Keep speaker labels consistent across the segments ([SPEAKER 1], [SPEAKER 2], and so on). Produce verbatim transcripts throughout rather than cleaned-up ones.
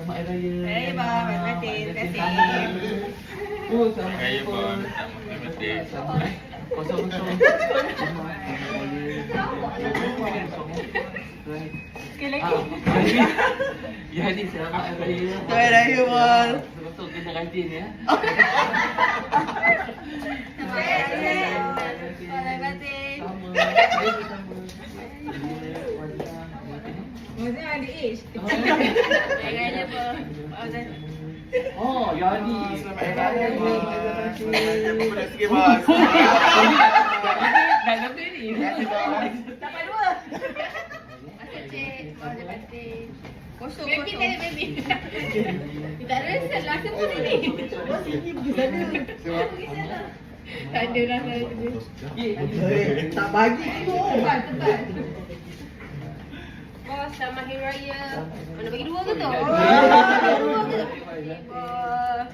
[SPEAKER 1] selamat hari raya.
[SPEAKER 2] Hari raya bang, terima kasih, terima kasih.
[SPEAKER 1] Oh, selamat
[SPEAKER 3] Hari raya
[SPEAKER 1] pun.
[SPEAKER 3] bang, terima kasih.
[SPEAKER 1] Kosong kosong.
[SPEAKER 2] Sekali
[SPEAKER 1] Ah,
[SPEAKER 2] lagi.
[SPEAKER 1] Ya ni selamat hari raya.
[SPEAKER 2] Selamat hari raya bang.
[SPEAKER 1] Betul kena rajin ya.
[SPEAKER 2] Terima kasih. Terima kasih.
[SPEAKER 1] Sama. Saya sama.
[SPEAKER 2] Maksudnya ada age. Hari raya bang.
[SPEAKER 1] Oh, Yani.
[SPEAKER 3] Selamat
[SPEAKER 1] Hari
[SPEAKER 3] hari raya,
[SPEAKER 1] raya.
[SPEAKER 3] bang. Terima kasih sikit, bang.
[SPEAKER 1] Dah lebih ni.
[SPEAKER 2] Dapat dua. Kosong, kosong. Baby, tadi baby. Tak ada salah sebut ni. Oh, sini pergi sana. Pergi sana. Tak ada lah saya tu.
[SPEAKER 4] Tak bagi tu.
[SPEAKER 2] Tebal, tebal. Bos, selamat hari raya. Mana bagi dua ke tu? Oh, bagi dua ke? Bos.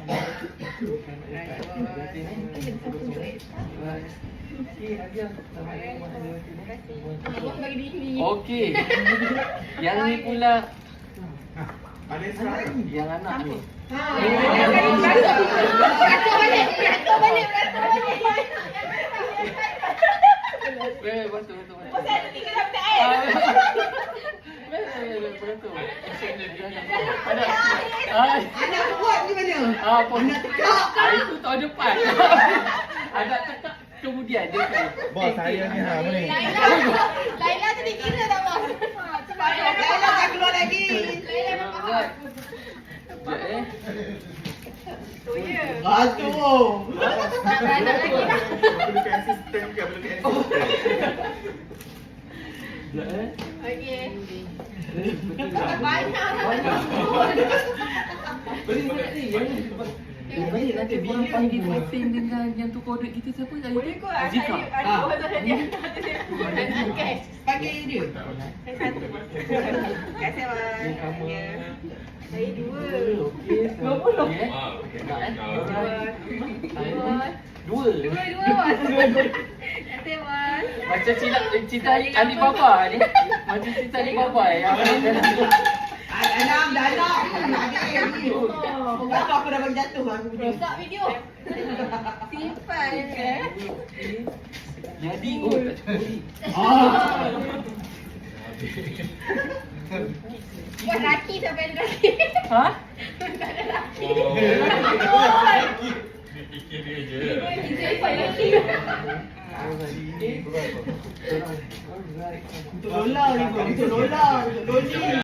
[SPEAKER 2] Abang bagi diri ni.
[SPEAKER 1] Okey. Yang ni pula
[SPEAKER 3] Ada serang.
[SPEAKER 1] yang anak ni.
[SPEAKER 2] Ha. Beratur balik, beratur balik, beratur balik.
[SPEAKER 1] Eh, betul betul betul.
[SPEAKER 2] Pasal ada tiga dapat air.
[SPEAKER 1] Betul. Ada. Ah,
[SPEAKER 4] Anak buat ni mana?
[SPEAKER 1] ah, apa? Ah, itu tahun depan. Ada tekak kemudian dia tu.
[SPEAKER 3] Bos, saya ni ha, apa ni?
[SPEAKER 2] Laila, Laila tu dikira tak bos? Ha, sebab
[SPEAKER 4] Laila tak keluar lagi.
[SPEAKER 2] Laila tak faham.
[SPEAKER 1] Sekejap eh.
[SPEAKER 2] Oh ya.
[SPEAKER 4] Aduh.
[SPEAKER 2] Tak ada lagi dah.
[SPEAKER 3] Perlukan sistem ke? Perlukan sistem.
[SPEAKER 1] Sekejap eh.
[SPEAKER 2] Okey.
[SPEAKER 1] Betul tak?
[SPEAKER 2] Banyak.
[SPEAKER 1] Beri saya ni. Yang ni. Baik nanti korang panggil meeting dengan yang tu kode kita siapa tadi?
[SPEAKER 2] Boleh kot. Ada
[SPEAKER 1] Zika.
[SPEAKER 2] ada
[SPEAKER 4] Ah.
[SPEAKER 2] orang ada dia. Okey.
[SPEAKER 4] Pakai dia.
[SPEAKER 2] Saya satu. Terima kasih bang. Ya. Saya dua.
[SPEAKER 1] Okey. Dua puluh.
[SPEAKER 3] Wow.
[SPEAKER 1] Nak eh? Alright.
[SPEAKER 2] Dua.
[SPEAKER 1] Dua.
[SPEAKER 2] Dua, dua bos. Terima kasih bos.
[SPEAKER 1] Macam cerita cerita Alibaba ni. Macam cerita Alibaba yang
[SPEAKER 4] Anak dah nak. Nak dia ni. Pokok aku dah bagi jatuh aku punya.
[SPEAKER 2] Rosak video. Simpan eh.
[SPEAKER 1] jadi oh tak cukup.
[SPEAKER 4] Ah.
[SPEAKER 2] Buat laki sampai ada laki.
[SPEAKER 1] Ha?
[SPEAKER 2] Tak ada laki.
[SPEAKER 3] Fikir dia je.
[SPEAKER 2] Simpan laki.
[SPEAKER 1] Alright.
[SPEAKER 4] Untuk Lola ni. Untuk Lola. Untuk Loli.